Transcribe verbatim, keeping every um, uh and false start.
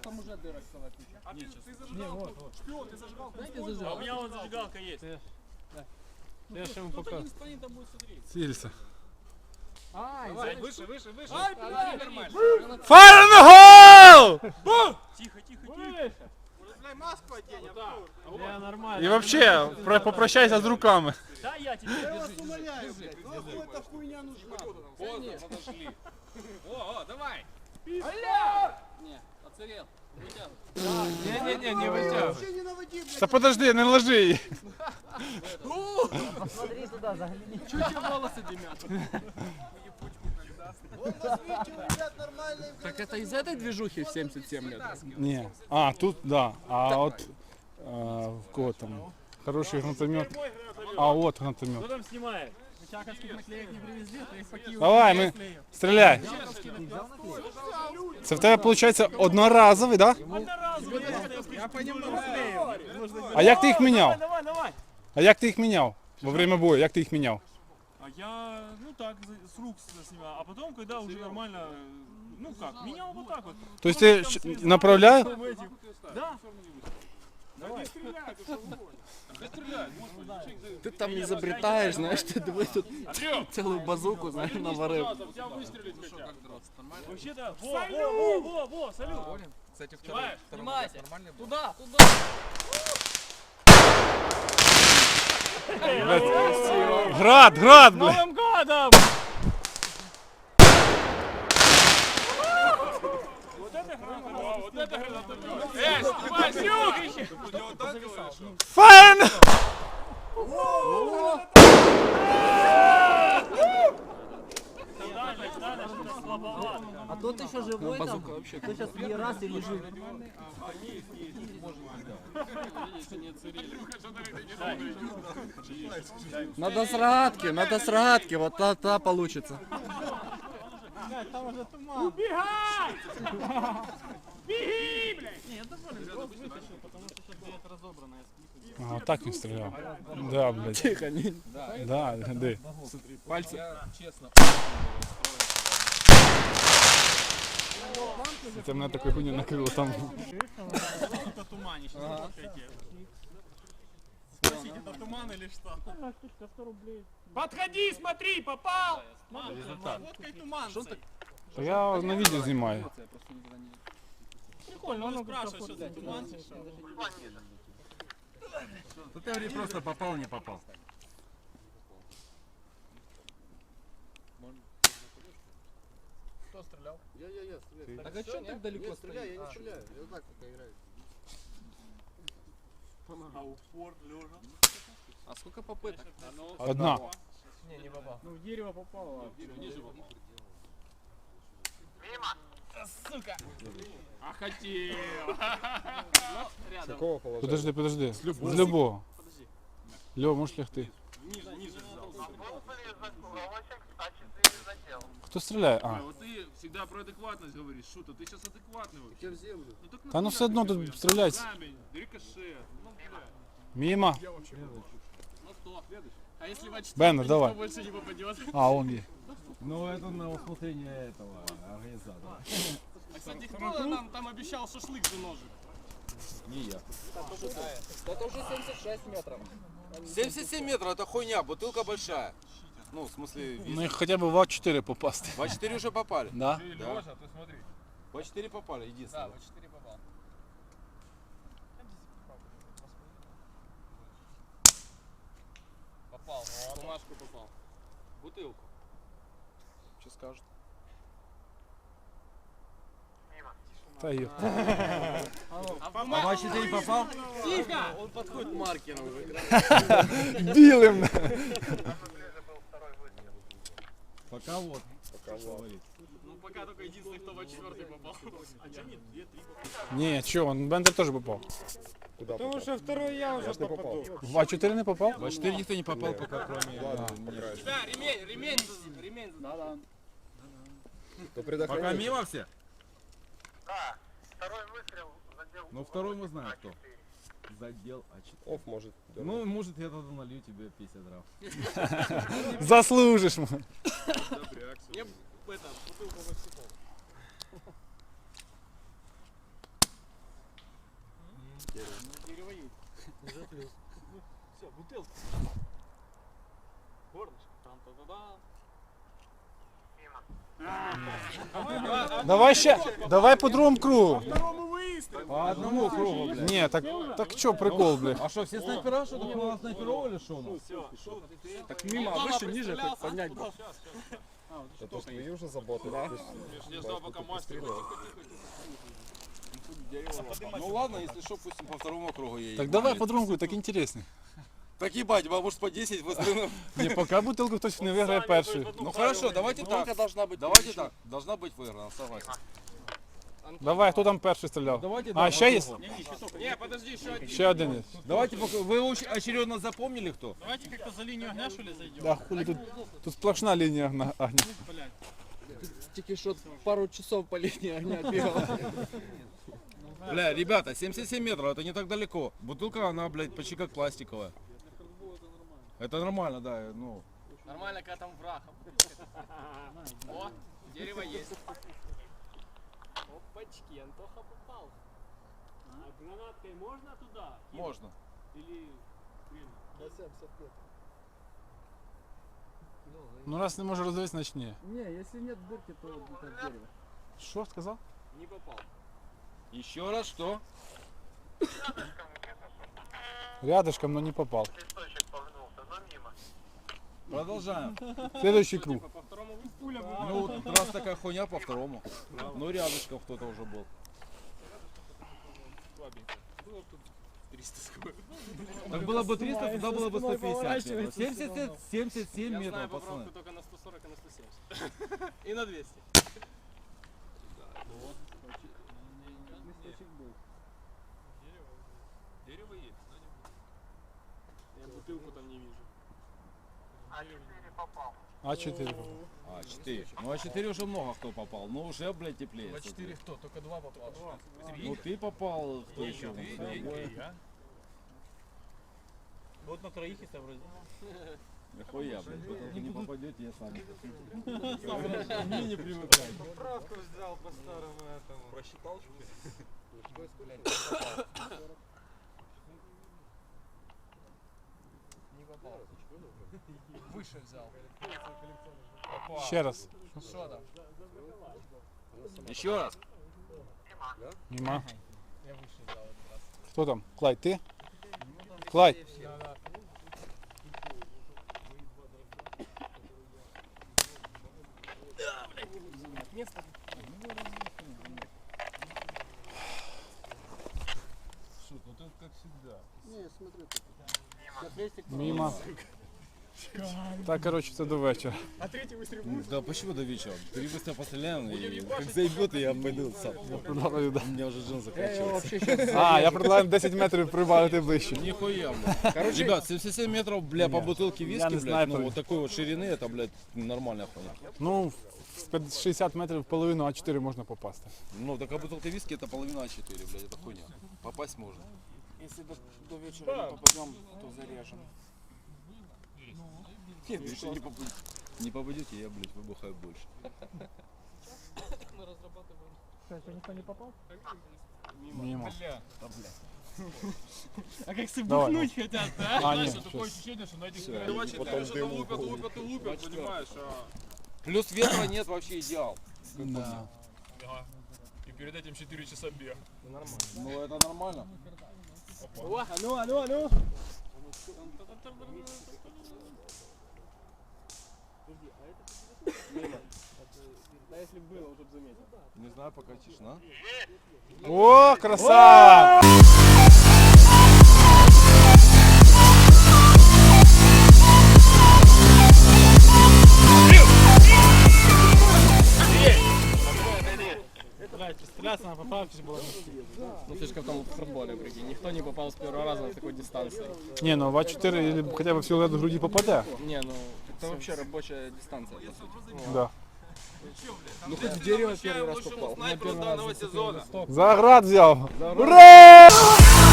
там уже дырок целая куча. А ты, ты зажигалку, шпион, ты зажигалку использовал? А у меня вот зажигалка есть. Я же ему пока. Сильно. Ай, выше, выше, выше. Ай, блядь! Fire in the hole! Тихо, тихо, тихо. Бля, маску одень, Артур. Я нормально. И вообще, про- попрощайся с руками. Да, я тебе. Я вас умоляю, блядь. Нахуй эта хуйня нужна? Поздно подошли. О, о, давай. Не, оцарел. Не-не-не, не вытягивай. Вообще не наводи, блядь. Да подожди, не ложи її. Смотри туда, загляни. Чуть волосы дымят. Вон, возьмите у ребят нормальные. Так это из этой движухи в семьдесят семь лет? Ні. А, тут, да. А от, а, в кого там? Хороший гранатомет. А, от Кто гранатомет. там снимает? Чаковских наклеек не привезли, то их по Киеву. Давай, ми, стріляй. Це в тебе, виходить, одноразовий, да? Я понемногу слею. А як ти їх міняв? Давай, давай. А як ти їх міняв? Во время бою, як ти їх міняв? А я, ну так, за- с рук с- снимал. А потом, когда уже нормально, ну как, менял вот так вот. Тобто ти щ- направляєш? В этих. Да. Ты там изобретаешь, знаешь, ты давай тут целую базуку, знаешь, наварил. Тебя выстрелить хотят. Вообще-то, во, во, во, во, во, салют. Кстати, Снимаешь? Снимайте. Туда, туда. Град, град, бля. Новым годом! Вот это граната, вот это граната. Эй, снимай, снюхище! Fire in the... Дальше, дальше, что-то слабовато. А тот еще живой там. Кто сейчас не раз и лежит. Надо с рогатки, надо с рогатки, вот та, та получится. Убегай! Беги, блядь! А, так він стріляв. Да, блядь. Тихо, не. Да, де? Пальцы. Це мене такою хуйню накрило там. Это туманище, Спросите, это туман или что? Подходи, смотри, попал! Фоткай туман. Та я на відео знімаю. Прикольно, он спрашивает, что за туман. Ну ты говори, просто попал, не попал. Кто стрелял? Я, я, я стреляю. Так а что так далеко стреляю? Я не стреляю, я так пока играю. А упор, лежа. А сколько попыток? Одна. Не, не попал. Ну в дерево попало. А хотел. Рядом. Подожди, подожди. З любого. Льо, можеш лягти. Ниже, ниже взял. Хто стріляє? А. Вот ты всегда про адекватность говоришь. Шута, ты сейчас адекватный вообще. Я в землю. Ну, так Та ну все одно тут стріляють. камень, рикошет. Ну, бля. Мимо. Ну кто? А если в А4 Беннер, никто давай. больше не попадет? А, он є. Ну, это на усмотрение этого организатора. А, кстати, кто нам там обещал шашлык за ножик? Не я. Это уже семьдесят шесть метров. семьдесят семь метров, это хуйня, бутылка большая. Ну, в смысле, Ну їх хоча б в А чотири попасти. в А четыре уже попали. Да? Да. Лёша, ты смотри. В А четыре попали, Да, единственное. в А4 попал. Попал. Бумажку попал. Бутылку. Что скажут? Та є. А в В А четыре попал? Тихо! Он подходит к маркеру уже. Білим. Пока вот. Пока вот. Ну пока только единственный, кто в А4 попал. А что нет? Две, три попал. Ні, чого, Бендер теж попав. Потому что второй я уже попаду. В А чотири не попав? В А четыре никто не попал, пока кроме... Да, ремень, ремень, ремень. Да, да. Пока мимо все? Да, второй выстрел задел. Ну, второй мы знаем кто. Задел А четыре. Оф может. Ну, может, я тогда налью тебе пятьдесят грамм. Заслужиш. Мне это, бутылку в Все, бутылка. Горлышко. Там-та-та-да. Давай ще, давай по другому кругу. Второму выстрелу. По одному кругу, блядь. Ні, так, так що прикол, блядь. А что, все снайпера, что такое у нас снайперов или что у нас? Так мимо, а выше, ниже, хоть поднять. Это ж твои уже заботы, да? Я ждал, пока мастер. Ну ладно, если что, пусть по второму кругу едет. Так давай по другому кругу, так інтересний. Так ебать, может по десять выстрелов. Ні, поки бутилку хтось не виграє перший. Ну хорошо, давайте так. Сколько должна быть? Давайте так. Должна быть выиграна, согласен. Давай, хто там перший стріляв? Давайте, А, да, ще по є? кругу. Не, подожди, еще один. Ще один є. Давайте, пока- вы оч- очередно запомнили кто? Давайте как-то за линию огня, что ли, зайдем? Да, хулі тут, тут сплошна лінія огня. Блядь. Тільки що пару часов по линии огня бегал. Бля, ребята, семьдесят семь метров, это не так далеко. Бутылка, она, блядь, почти как пластиковая. Это нормально, да, ну. Нормально, когда там враг. О, дерево есть. Опачки, Антоха попал. А гранаткой можно туда? Можно. Или... Ну раз не може роздивитися, значить ні. Не, если нет дырки, то как дерево. Що сказав? Не попал. Еще раз, что? Рядышком, но не попал. Листочек погнулся, но мимо. Продолжаем. Следующий круг. По второму пуля была. Ну, вот раз такая хуйня по второму. Ну, рядышком кто-то уже был. Так было бы триста, тогда было бы сто пятьдесят метров. семьдесят, семьдесят семь метров, пацаны. только на сто сорок и на сто семьдесят. И на двести. Дерево есть. Я бутылку там не вижу. А четыре попал. А чотири попав. А, четыре. Ну, а четыре уже много кто попал. Ну, уже, блядь, теплее. четыре кто? Только два попал. Ну, ты попал, кто еще? Двое. Вот на троих если вроде. Нихуя, блядь, вы не попадете, я сам. Мне не привыкать. Правку взял по старому этому. Просчитал Выше взял. Ще раз. Что там? Еще раз. Нема. Я выше взял этот раз. Хто там? Клайд, ти? Клайд. Место. Шут, ну ты как всегда. Не, смотри. Мимо. Так, коротше, це до вечора. А третий выстрел Да почему до вечера? Три быстро постреляем, и как заебет, и я пойду сам. Предлагаю, да. У меня уже джин заканчивается. А, я предлагаю десять метрів прибавити ближче. Нихуя, блядь. Ребят, семьдесят семь метров, бля, по бутылке я виски, не блядь, снайпер. ну вот такой вот ширины, это, блядь, нормальная хуйня. Ну, з шістдесят метрів в половину А чотири можна попасти. Ну, такая бутылка виски, это половина А четыре, блядь, это хуйня. Попасть можно. Если до, до вечера не попадем, то зарежем. Нет, если не, попадете, не попадете, я, блядь, выбухаю больше. Мимо. А как все Давай, бухнуть хотят, да? А, ні, Такое щас. ощущение, что на этих Потом что-то лупят, лупят и лупят, понимаешь, а... Плюс ветра нет, вообще идеал. Да. И перед этим четыре часа бег. Ну, это нормально. А ну, а ну, а ну. Да если бы было, уже бы заметил. Не знаю, пока тишина. О, красава! Блять, стреляться на поправке было. Ну ты же как там в хардболе, прикинь. Никто не попал с первого раза на такой дистанции. Ні, ну в А чотири или хоча б в силует груді попаде. Не, ну это вообще рабочая дистанция, по сути. Да. Ну хоть в дерево первый раз попал. Снайпер данного сезона. Заград взяв. Ура!